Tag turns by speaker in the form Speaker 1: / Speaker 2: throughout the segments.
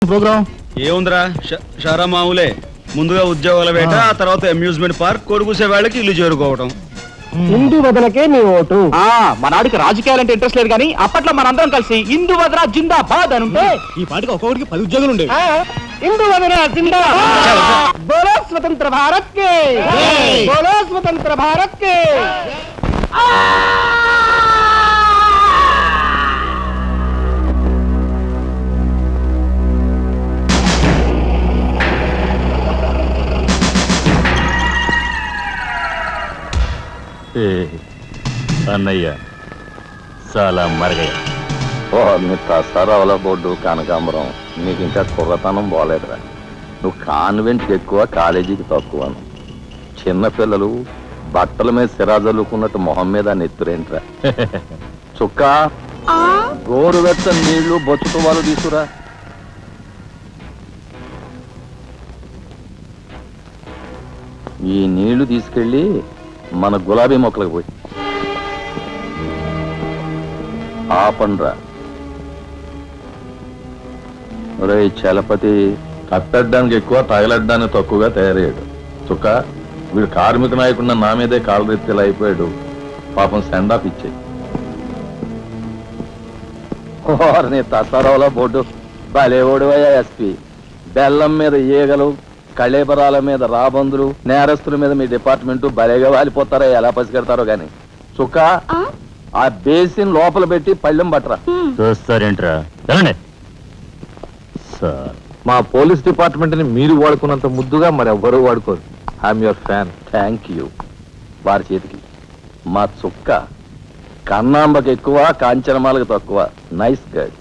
Speaker 1: Programme
Speaker 2: ఏముందిరా షారా మామూలే. ముందుగా ఉద్యోగాల వేట, ఆ తర్వాత అమ్యూజ్మెంట్ పార్క్, కొడుకుసే వాళ్ళకి ఇల్లు చేరుకోవటం.
Speaker 3: హిందూ వదనకే నీ ఓటు.
Speaker 1: మనాడికి రాజకీయాలంటే ఇంట్రెస్ట్ లేదు కానీ అప్పట్లో మనందరం కలిసి హిందూ వదన జిందాబాద్ అని ఉంటే ఈ పాటికి ఒక్కొక్కడికి 10 ఉద్యోగాలు ఉండేవి.
Speaker 3: హిందూ వదన జిందాబాద్. బోలో స్వతంత్ర భారత్ కే, బోలో స్వతంత్ర భారత్ కే.
Speaker 4: అన్నయ్య చాలా మరగయ్య.
Speaker 5: మీ ప్రసారాల బోర్డు కనకాంబరం, నీకు ఇంకా కుర్రతనం పోలేదురా. నువ్వు కాన్వెంట్కి ఎక్కువ, కాలేజీకి తక్కువను. చిన్నపిల్లలు బట్టల మీద సిరాజల్లుకున్నట్టు మొహం మీద నెత్తురేంట్రా. చుక్క గోరువెచ్చని నీళ్లు బొచ్చుతో వాళ్ళు తీసుకురా. ఈ నీళ్లు తీసుకెళ్ళి మన గులాబీ మొక్కలకు పోయి ఆపండ్రా. ఒరే చలపతి కట్టడానికి ఎక్కువ, తగలడ్డానికి తక్కువగా తయారయ్యాడు. చుక్క వీడు కార్మిక నాయకుడిన నా మీదే కాలరెత్తిలా అయిపోయాడు. పాపం సెండ్ ఆఫ్ ఇచ్చేయి. నీ తసారావుల బోర్డు బలేవోడువయ్యా ఎస్పీ. బెల్లం మీద ఈగలు, కళేబరాల మీద రాబందులు, నేరస్తుల మీద మీ డిపార్ట్మెంట్ భలేగా వాలిపోతారో ఎలా పసిగడతారో గాని. చుక్క ఆ బేసిన్ లోపల పెట్టి పళ్ళెం పట్టరా.
Speaker 4: చూస్తారేంట్రా? సార్,
Speaker 5: మా పోలీస్ డిపార్ట్మెంట్ ని మీరు వాడుకున్నంత ముద్దుగా మరి ఎవ్వరూ వాడుకోరు. I'm your fan. Thank you. వారి చేతికి మా చుక్క కన్నాంబకి ఎక్కువ, కాంచనమాలకు తక్కువ. Nice guide.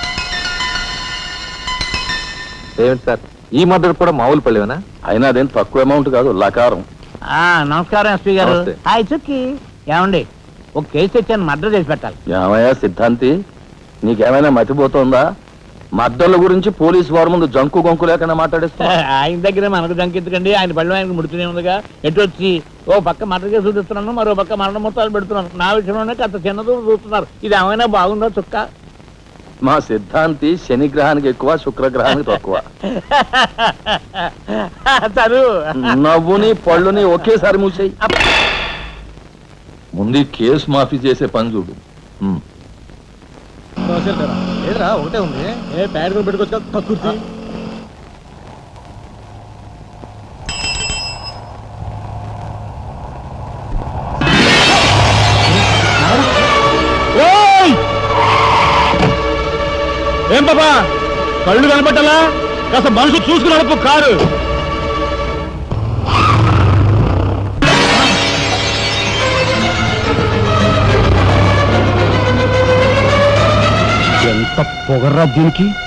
Speaker 5: ఏమిటి సార్, ఈ మద్దతు కూడా మామూలు పళ్ళేనా? అయినా అదేం తక్కువ అమౌంట్ కాదు, లకారం.
Speaker 6: నమస్కారం ఎస్పీ గారు.
Speaker 5: నమస్తే.
Speaker 6: హాయ్ చుక్కి. ఏమండి, ఒక కేసు తెచ్చాను, మర్డర్ చేసి పెట్టాలి.
Speaker 5: ఏమయ్యా సిద్ధాంతి, నీకేమైనా మతిపోతుందా? మద్దళ్ళ గురించి పోలీసు వారి ముందు జంకు గొంకు లేకుండా మాట్లాడేస్తా.
Speaker 6: ఆయన దగ్గర మనకు జంకెత్తుకండి, ఆయన పళ్ళు ఆయనకు ముడుతూనే ఉందిగా. ఎటు వచ్చి ఓ పక్క మర్డర్ కేసు చూపిస్తున్నాను, మరో పక్క మరణ మొత్తాలు పెడుతున్నాను. నా విషయంలోనే అంత చిన్నదో చూస్తున్నారు. ఇది ఏమైనా బాగుందా చుక్క?
Speaker 5: మా సిద్ధాంతి శనిగ్రహానికి ఎక్కువ, శుక్రగ్రహానికి తక్కువ.
Speaker 6: తను
Speaker 5: నవ్వుని పళ్ళుని ఒకేసారి మూసేయి. ముందు కేసు మాఫీ చేసే పని చూడు.
Speaker 1: లేదురా, ఒకటే ఉంది. ఏ ప్యాడ్ కూడా పెట్టుకోవచ్చు కక్కుర్తి.
Speaker 2: ఏం పాపా, కళ్ళు కనపట్టాలా? కాస్త మనసు చూసుకుని నడుపు కారు.
Speaker 3: ఎంత పొగర్రా దీనికి.